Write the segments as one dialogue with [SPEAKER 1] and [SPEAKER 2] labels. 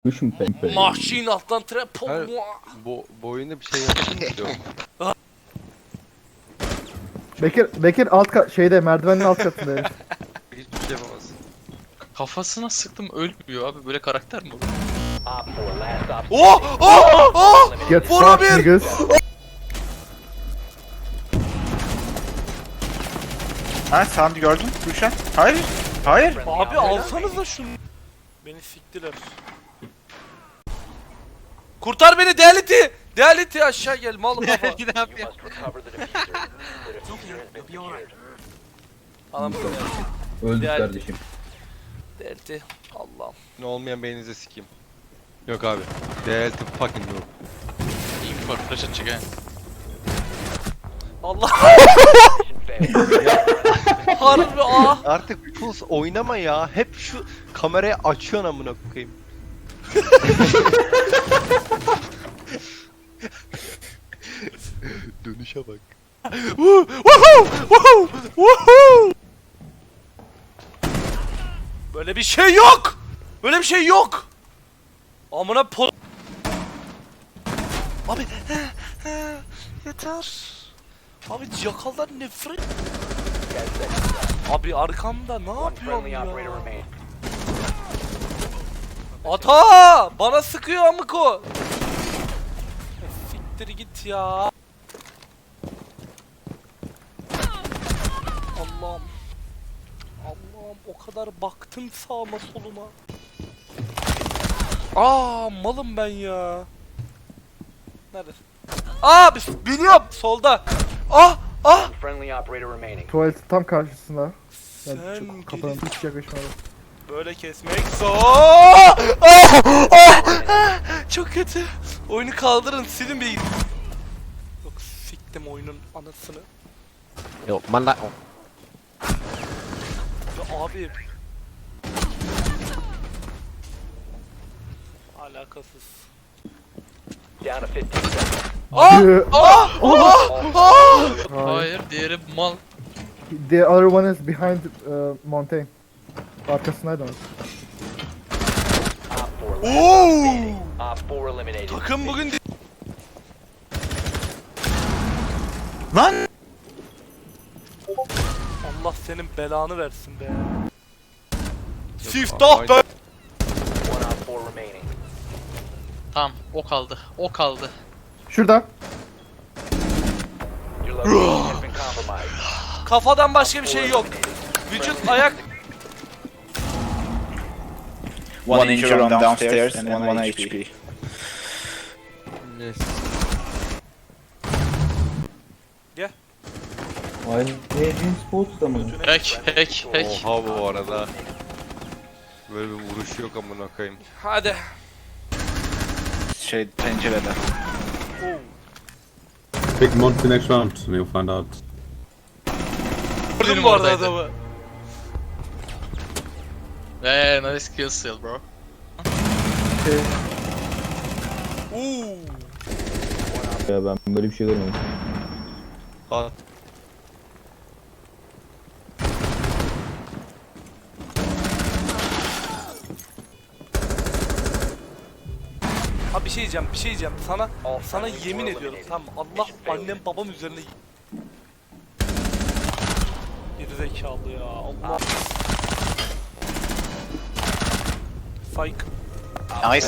[SPEAKER 1] Mission Pempe.
[SPEAKER 2] Mahşin alttan trap.
[SPEAKER 3] Hayır. Bu oyunda bir şey yapalım istiyorum.
[SPEAKER 4] Bekir şeyde merdivenin alt katında. herif.
[SPEAKER 3] Hiçbir şey yapamaz.
[SPEAKER 5] Kafasına sıktım ölmüyor abi, böyle karakter mi olur?
[SPEAKER 2] Oh! Oh! Oh!
[SPEAKER 4] Get
[SPEAKER 2] Vura
[SPEAKER 4] fucked
[SPEAKER 2] bir!
[SPEAKER 4] niggas.
[SPEAKER 6] Ha sen gördün Gülşen? Hayır. Hayır.
[SPEAKER 2] Abi alsanıza şunu. Beni siktiler. Kurtar beni Reality! Reality aşağı gel mal kafa.
[SPEAKER 5] Ne yapıyor?
[SPEAKER 2] Anam
[SPEAKER 1] Öldük
[SPEAKER 2] Yani-
[SPEAKER 1] kardeşim.
[SPEAKER 2] Reality. Allah'ım.
[SPEAKER 3] Ne olmayan beyninize sikeyim. Yok abi. Reality fucking noob.
[SPEAKER 5] İyi bir flash atacak he.
[SPEAKER 2] Allah. Harbi ah.
[SPEAKER 3] Artık Puls oynama ya. Hep şu kamerayı açıyorsun amına koyayım. Dönüşe bak.
[SPEAKER 2] Woohoo! Woohoo! Woohoo! Böyle bir şey yok. Böyle bir şey yok. Amına Abi yeter. Abi yakallar nefret. Abi arkamda ne yapıyorsun ya? Ata! Bana sıkıyor amıko. Siktir git ya. Allah'ım. Allah'ım o kadar baktım sağıma soluma. Aa malım ben ya. Nerede? Aa biliyorum solda. Ah ah.
[SPEAKER 4] Tuvaletin tam karşısında.
[SPEAKER 2] Sen
[SPEAKER 4] Kapının
[SPEAKER 2] gidi-
[SPEAKER 4] hiç yakışmadı.
[SPEAKER 2] Böyle kesmek zor. Ah, ah, ah. Çok kötü. Oyunu kaldırın silin bir. Yok siktim oyunun anasını.
[SPEAKER 3] Yok manda.
[SPEAKER 2] Ya abi. Alakasız. Ah! Ah! Ah! Ah!
[SPEAKER 5] Hayır, diğeri mal.
[SPEAKER 4] The other one is behind mountain. Arkasındaydı onun.
[SPEAKER 2] Oo! Takım bugün
[SPEAKER 6] Lan.
[SPEAKER 2] Allah senin belanı versin be. Siftah be.
[SPEAKER 5] Tamam, o kaldı. O kaldı.
[SPEAKER 4] Şurada.
[SPEAKER 2] Kafadan başka bir şey yok. Vücut, ayak.
[SPEAKER 6] One injury on downstairs and one HP.
[SPEAKER 3] Yes.
[SPEAKER 1] Aynı James Sports'ta mı?
[SPEAKER 5] Hack.
[SPEAKER 3] Oha bu arada. Böyle bir vuruş yok amına koyayım.
[SPEAKER 2] Hadi.
[SPEAKER 6] Şey pencerede.
[SPEAKER 7] Pick Monty next round and you'll find out.
[SPEAKER 2] Gördün bu arada
[SPEAKER 5] oradaydı.
[SPEAKER 2] adamı.
[SPEAKER 5] Nice kill steal bro.
[SPEAKER 2] Oo.
[SPEAKER 1] Ya ben böyle bir şey görmedim.
[SPEAKER 3] At.
[SPEAKER 2] Ha bir şey diyeceğim. Sana yemin ediyorum tamam mı? Allah annem babam üzerine geri zekalı ya. Allah. Fake.
[SPEAKER 6] Nice.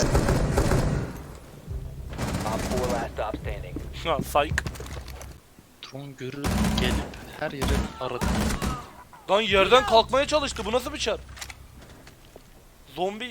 [SPEAKER 2] Ha fake.
[SPEAKER 5] Drone görür gelip her yeri aradı.
[SPEAKER 2] Lan yerden kalkmaya çalıştı. Bu nasıl bir çar? Zombi